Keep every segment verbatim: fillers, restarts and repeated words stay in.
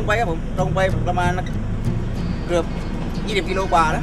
ไปครับผมตรงไปประมาณเกือบยี่สิบกิโลกว่าแล้ว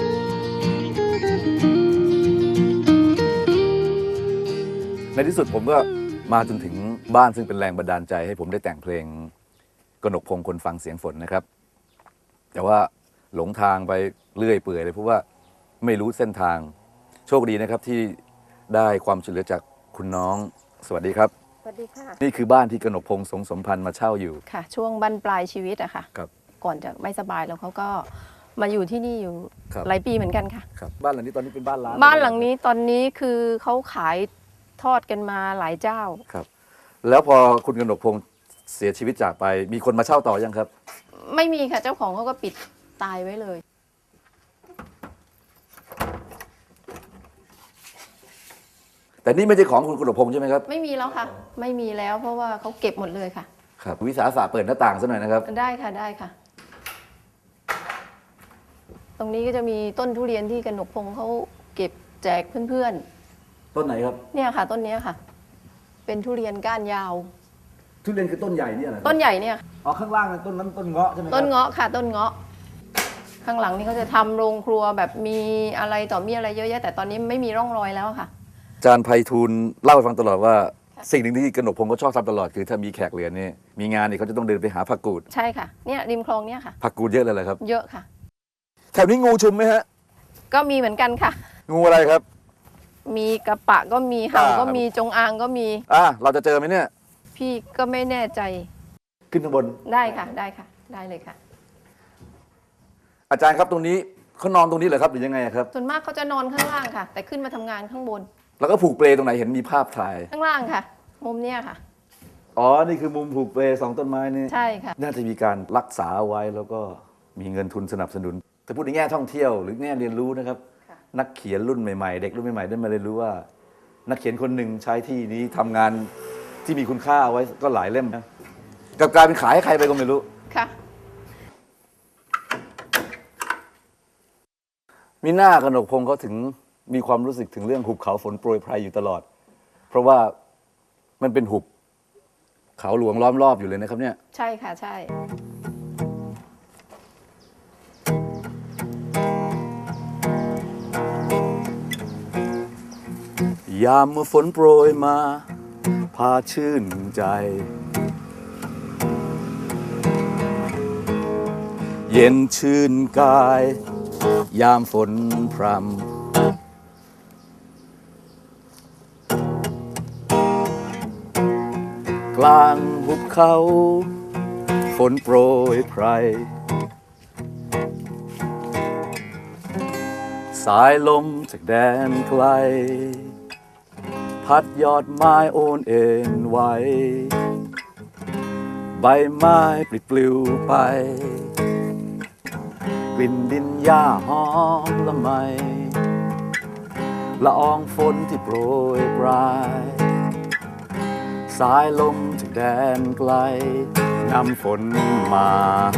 ในที่สุดผมก็มาจนถึงบ้านซึ่งเป็นแรงบันดาลใจให้ผมได้แต่งเพลงกนกพงศ์คนฟังเสียงฝนนะครับแต่ว่าหลงทางไปเรื่อยเปื่อยเลยเพราะว่าไม่รู้เส้นทางโชคดีนะครับที่ได้ความช่วยเหลือจากคุณน้องสวัสดีครับสวัสดีค่ะนี่คือบ้านที่กนกพงศ์สงสมพันธ์มาเช่าอยู่ค่ะช่วงบั้นปลายชีวิตอะค่ะครับก่อนจะไม่สบายแล้วเขาก็มาอยู่ที่นี่อยู่ครับหลายปีเหมือนกันค่ะครับบ้านหลังนี้ตอนนี้เป็นบ้านร้างบ้านหลังนี้ตอนนี้คือเขาขายทอดกันมาหลายเจ้าครับแล้วพอคุณกนกพงศ์เสียชีวิตจากไปมีคนมาเช่าต่อยังครับไม่มีค่ะเจ้าของเขาก็ปิดตายไว้เลยแต่นี่ไม่ใช่ของคุณกนกพงศ์ใช่ไหมครับไม่มีแล้วค่ะไม่มีแล้วเพราะว่าเขาเก็บหมดเลยค่ะครับวิสาสะเปิดหน้าต่างซะหน่อยนะครับได้ค่ะได้ค่ะตรงนี้ก็จะมีต้นทุเรียนที่กนกพงศ์เขาเก็บแจกเพื่อนๆต้นไหนครับเนี่ยค่ะต้นนี้ค่ะเป็นทุเรียนก้านยาวทุเรียนคือต้นใหญ่เนี่ยเหรอต้นใหญ่เนี่ยอ๋อข้างล่างนั้นต้นนั้นต้นเงาะใช่ไหมครับต้นเงาะค่ะต้นเงาะข้างหลังนี่เขาจะทำโรงครัวแบบมีอะไรต่อมีอะไรเยอะแยะแต่ตอนนี้ไม่มีร่องรอยแล้วค่ะอาจารย์ไพฑูรย์เล่าให้ฟังตลอดว่าสิ่งหนึ่งที่กนกพงศ์ก็ชอบทำตลอดคือถ้ามีแขกเหลือนี่มีงานนี่เขาจะต้องเดินไปหาผักกูดใช่ค่ะเนี่ยริมคลองเนี่ยค่ะผักกูดเยอะเลยเหรอครับเยอะค่ะแถวนี้งูชุมไหมฮะก็มีเหมือนกันค่ะงูอะไรครับมีกระปะก็มีเห่าก็มีจงอางก็มีอ่าเราจะเจอไหมเนี่ยพี่ก็ไม่แน่ใจขึ้นข้างบนได้ค่ะได้ค่ะได้เลยค่ะอาจารย์ครับตรงนี้เขานอนตรงนี้เหรอครับหรือยังไงครับส่วนมากเขาจะนอนข้างล่างค่ะแต่ขึ้นมาทำงานข้างบนแล้วก็ผูกเปลตรงไหนเห็นมีภาพถ่ายข้างล่างค่ะมุมเนี้ยค่ะอ๋อนี่คือมุมผูกเปลสองต้นไม้นี่ใช่ค่ะน่าจะมีการรักษาไว้แล้วก็มีเงินทุนสนับสนุนแต่พูดในแง่ท่องเที่ยวหรือแง่เรียนรู้นะครับนักเขียนรุ่นใหม่ๆเด็กรุ่นใหม่ๆได้มาเรียนรู้ว่านักเขียนคนหนึ่งใช้ที่นี้ทำงานที่มีคุณค่าเอาไว้ก็หลายเล่มนะกับการเป็นขายให้ใครไปก็ไม่รู้ค่ะมีหน้ากนกพงศ์เขาถึงมีความรู้สึกถึงเรื่องหุบเขาฝนโปรยไพรอยู่ตลอดเพราะว่ามันเป็นหุบเขาหลวงล้อมรอบอยู่เลยนะครับเนี่ยใช่ค่ะใช่ยามเมื่อฝนโปรยมาพาชื่นใจเย็นชื่นกายยามฝนพรำกลางหุบเขาฝนโปรยไพรสายลมจากแดนไกลพัดยอดไม้โอนเอ็นไหวใบไม้ปลิดปลิวไปกลิ่นดินหญ้าหอมละไมละอองฝนที่โปรยปลายสายลมจากแดนไกลนำฝนมา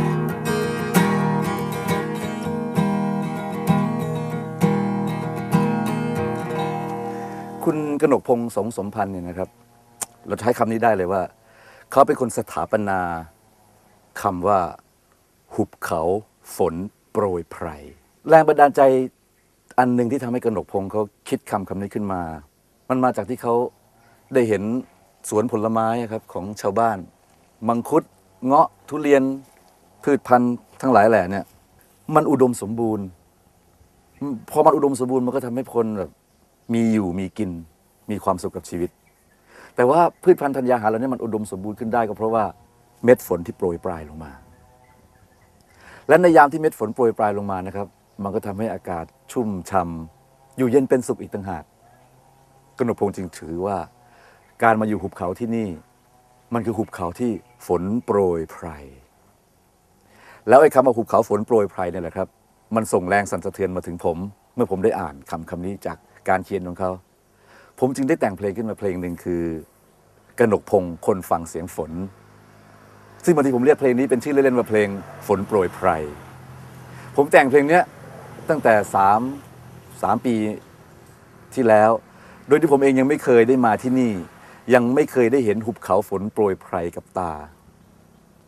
คุณกนกพงศ์สงสมพันธ์เนี่ยนะครับเราใช้คำนี้ได้เลยว่าเขาเป็นคนสถาปนาคำว่าหุบเขาฝนโปรยไพรแรงบันดาลใจอันหนึ่งที่ทำให้กนกพงศ์เขาคิดคำคำนี้ขึ้นมามันมาจากที่เขาได้เห็นสวนผลไม้ครับของชาวบ้านมังคุดเงาะทุเรียนพืชพันธุ์ทั้งหลายแหล่เนี่ยมันอุดมสมบูรณ์พอมันอุดมสมบูรณ์มันก็ทำให้คนแบบมีอยู่มีกินมีความสุขกับชีวิตแต่ว่าพืชพันธุ์ธัญญาหารเหล่านี้มันอุดมสมบูรณ์ขึ้นได้ก็เพราะว่าเม็ดฝนที่โปรยปลายลงมาและในยามที่เม็ดฝนโปรยปลายลงมานะครับมันก็ทำให้อากาศชุ่มช่ำอยู่เย็นเป็นสุขอีกต่างหากกนกพงศ์จึงถือว่าการมาอยู่หุบเขาที่นี่มันคือหุบเขาที่ฝนโปรยไพรแล้วไอ้คำว่าหุบเขาฝนโปรยไพรเนี่ยแหละครับมันส่งแรงสั่นสะเทือนมาถึงผมเมื่อผมได้อ่านคำคำนี้จากการเขียนของเขาผมจึงได้แต่งเพลงขึ้นมาเพลงหนึ่งคือกนกพงศ์คนฟังเสียงฝนซึ่งบางทีผมเรียกเพลงนี้เป็นชื่อเล่นๆว่าเพลงฝนโปรยไพรผมแต่งเพลงนี้ตั้งแต่สามสามปีที่แล้วโดยที่ผมเองยังไม่เคยได้มาที่นี่ยังไม่เคยได้เห็นหุบเขาฝนโปรยไพรกับตา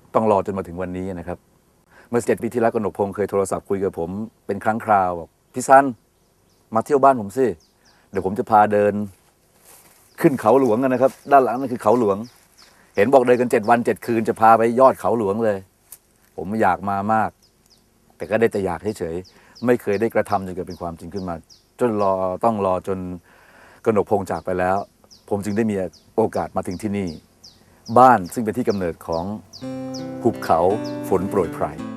ต้องรอจนมาถึงวันนี้นะครับ เมื่อเจ็ดปีที่แล้วกนกพงศ์เคยโทรศัพท์คุยกับผมเป็นครั้งคราวบอกพี่ซันมาเที่ยวบ้านผมสิเดี๋ยวผมจะพาเดินขึ้นเขาหลวงกันนะครับ ด้านหลังนั่นคือเขาหลวง เห็นบอกเดินกันเจ็ดวันเจ็ดคืนจะพาไปยอดเขาหลวงเลย ผมอยากมามาก แต่ก็ได้แต่อยากเฉยๆไม่เคยได้กระทำจนเกิดเป็นความจริงขึ้นมา จนรอต้องรอจนกนกพงศ์จากไปแล้ว ผมจึงได้มีโอกาสมาถึงที่นี่ บ้านซึ่งเป็นที่กำเนิดของหุบเขาฝนโปรยไพร